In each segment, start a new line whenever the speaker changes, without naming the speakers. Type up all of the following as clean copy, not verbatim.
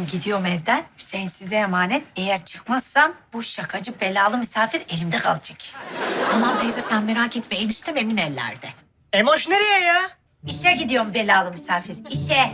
Ben gidiyorum evden. Hüseyin size emanet. Eğer çıkmazsam bu şakacı belalı misafir elimde kalacak.
Tamam teyze sen merak etme. Eniştem emin ellerde.
Emoş nereye ya?
İşe gidiyorum belalı misafir. İşe.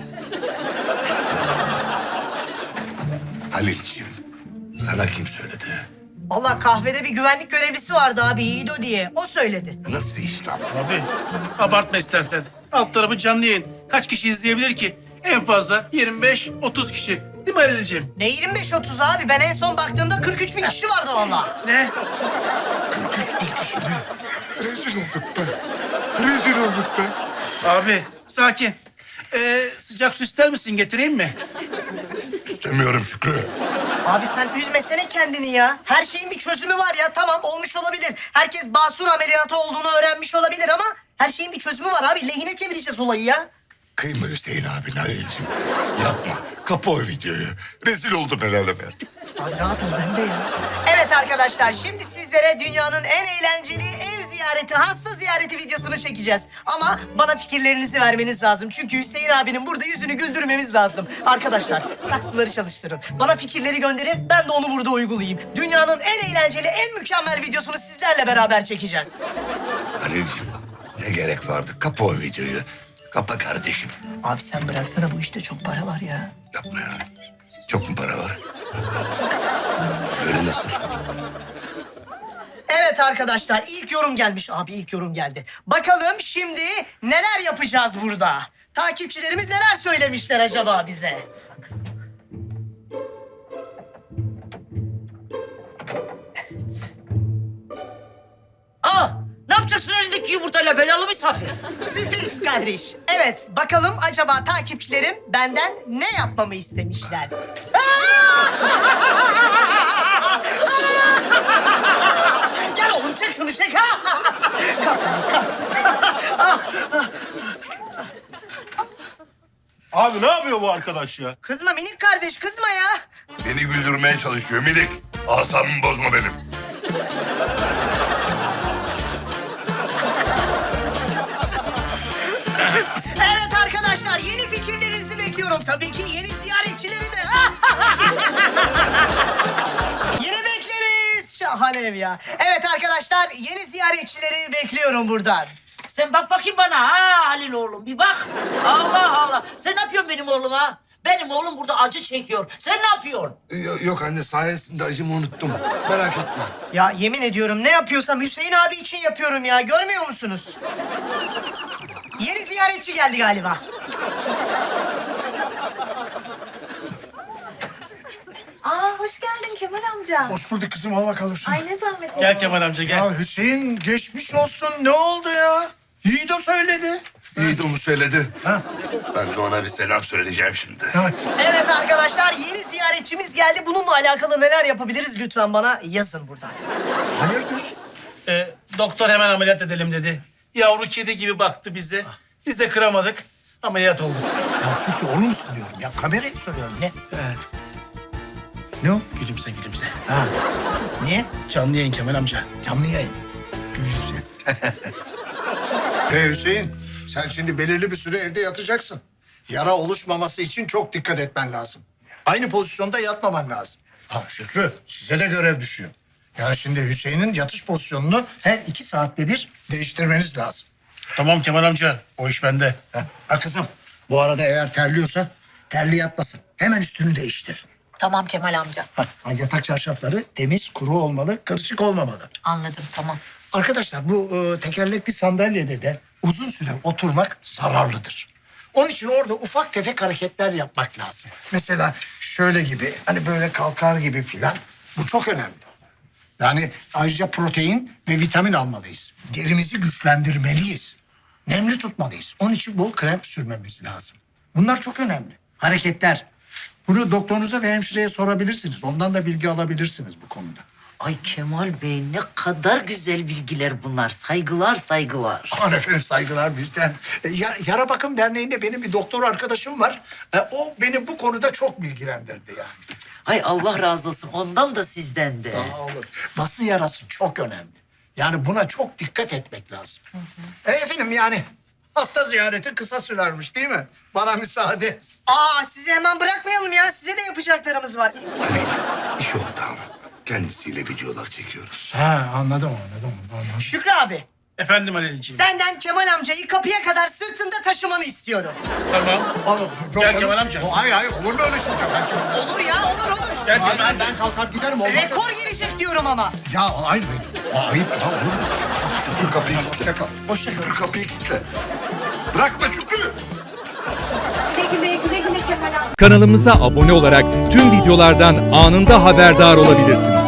Halilciğim, sana kim söyledi?
Allah kahvede bir güvenlik görevlisi vardı abi Yiğido diye. O söyledi.
Nasıl iş lan?
Abi abartma istersen. Alt tarafı canlı yayın. Kaç kişi izleyebilir ki? En fazla 25-30 kişi. Değil mi Halil'ciğim?
Ne 25-30 abi? Ben en son baktığımda 43 bin kişi vardı valla.
Ne?
43 bin kişi mi? Rezil olduk be. Rezil olduk be.
Abi sakin. Sıcak su ister misin? Getireyim mi?
İstemiyorum Şükrü.
Abi sen üzmesene kendini ya. Her şeyin bir çözümü var ya. Tamam olmuş olabilir. Herkes basur ameliyatı olduğunu öğrenmiş olabilir ama her şeyin bir çözümü var abi. Lehine çevireceğiz olayı ya.
Kıyma Hüseyin abin Halilciğim. Yapma. Kapa o videoyu. Rezil oldum herhalde be.
Abi rahat ol ben de ya. Evet arkadaşlar şimdi sizlere dünyanın en eğlenceli ev ziyareti, hasta ziyareti videosunu çekeceğiz. Ama bana fikirlerinizi vermeniz lazım. Çünkü Hüseyin abinin burada yüzünü güldürmemiz lazım. Arkadaşlar saksıları çalıştırın. Bana fikirleri gönderin ben de onu burada uygulayayım. Dünyanın en eğlenceli, en mükemmel videosunu sizlerle beraber çekeceğiz.
Halilciğim, ne gerek vardı? Kapa o videoyu. Kapa kardeşim.
Abi sen bıraksana bu işte çok para var ya.
Yapma ya. Çok mu para var? Böyle nasıl?
Evet arkadaşlar ilk yorum gelmiş. Abi ilk yorum geldi. Bakalım şimdi neler yapacağız burada? Takipçilerimiz neler söylemişler acaba bize?
Aa, ne yapacaksın elindeki yumurtayla belalı misafir?
Sürpriz kardeş. Evet bakalım acaba takipçilerim benden ne yapmamı istemişler? Gel oğlum çek şunu çek.
Abi ne yapıyor bu arkadaş ya?
Kızma minik kardeş kızma ya.
Beni güldürmeye çalışıyor minik. Asabımı bozma benim.
Evet arkadaşlar yeni fikirlerinizi bekliyorum. Tabii ki yeni ziyaretçileri de. Yeni bekleriz. Şahane ev ya. Evet arkadaşlar yeni ziyaretçileri bekliyorum buradan.
Sen bak bakayım bana ha Halil oğlum bir bak. Allah Allah. Sen ne yapıyorsun benim oğluma? Benim oğlum burada acı çekiyor. Sen ne yapıyorsun?
Yok anne, sayesinde acımı unuttum. Merak etme.
Ya yemin ediyorum ne yapıyorsam Hüseyin abi için yapıyorum ya. Görmüyor musunuz? Yeni ziyaretçi geldi galiba.
Aa hoş geldin Kemal amca.
Hoş bulduk kızım, al bakalım şunu.
Ay ne zahmet oldu.
Gel Kemal amca gel.
Ya Hüseyin geçmiş olsun, ne oldu ya? Yiğido söyledi.
İyi de onu söyledi. Ben de ona bir selam söyleyeceğim şimdi.
Evet arkadaşlar yeni ziyaretçimiz geldi. Bununla alakalı neler yapabiliriz lütfen bana yazın buradan.
Hayırdır?
Doktor hemen ameliyat edelim dedi. Yavru kedi gibi baktı bize. Biz de kıramadık. Ameliyat olduk.
Ya çünkü onu mu soruyorum ya? Kamerayı soruyorum, ne? Ne o?
Gülümse gülümse.
Ha. Niye?
Canlı yayın Kemal amca.
Canlı yayın. Güzel. Hüseyin, sen şimdi belirli bir süre evde yatacaksın. Yara oluşmaması için çok dikkat etmen lazım. Aynı pozisyonda yatmaman lazım. Ha Şükrü, size de görev düşüyor. Yani şimdi Hüseyin'in yatış pozisyonunu her 2 saatte bir değiştirmeniz lazım.
Tamam Kemal amca. O iş bende.
Ha kızım, bu arada eğer terliyorsa terli yatmasın. Hemen üstünü değiştir.
Tamam Kemal amca.
Ha, yatak çarşafları temiz, kuru olmalı, karışık olmamalı.
Anladım tamam.
Arkadaşlar bu tekerlekli sandalyede de uzun süre oturmak zararlıdır. Onun için orada ufak tefek hareketler yapmak lazım. Mesela şöyle gibi, hani böyle kalkar gibi filan. Bu çok önemli. Yani ayrıca protein ve vitamin almalıyız. Derimizi güçlendirmeliyiz. Nemli tutmalıyız. Onun için bol krem sürmemiz lazım. Bunlar çok önemli. Hareketler. Bunu doktorunuza ve hemşireye sorabilirsiniz. Ondan da bilgi alabilirsiniz bu konuda.
Ay Kemal Bey ne kadar güzel bilgiler bunlar. Saygılar saygılar.
Aman efendim saygılar bizden. Yara Bakım Derneği'nde benim bir doktor arkadaşım var. O beni bu konuda çok bilgilendirdi yani.
Ay Allah razı olsun ondan da sizden de.
Sağ olun. Bası yarası çok önemli. Yani buna çok dikkat etmek lazım. Efendim yani Hasta ziyareti kısa sürermiş değil mi? Bana müsaade.
Aa, sizi hemen bırakmayalım ya. Size de yapacaklarımız var.
Halil, iş ortağım. Kendisiyle videolar çekiyoruz.
Ha anladım.
Şükrü abi,
Efendim Halil'ciğim.
senden Kemal amcayı kapıya kadar sırtında taşımanı istiyorum.
Tamam.
Oğlum,
Gel Kemal amca.
Hayır olur mu öyle şey?
Olur ya, olur.
Gel Kemal amca.
Ben kalkar giderim. Olmaz.
Rekor gelecek diyorum ama.
Ya ayıp. Ayıp ya olur mu?
Şükrü kapıyı kilitle. Şükrü kapıyı kilitle. Bırakma Şükrü.
Güle güle Kemal amca.
Kanalımıza abone olarak tüm videolardan anında haberdar olabilirsiniz.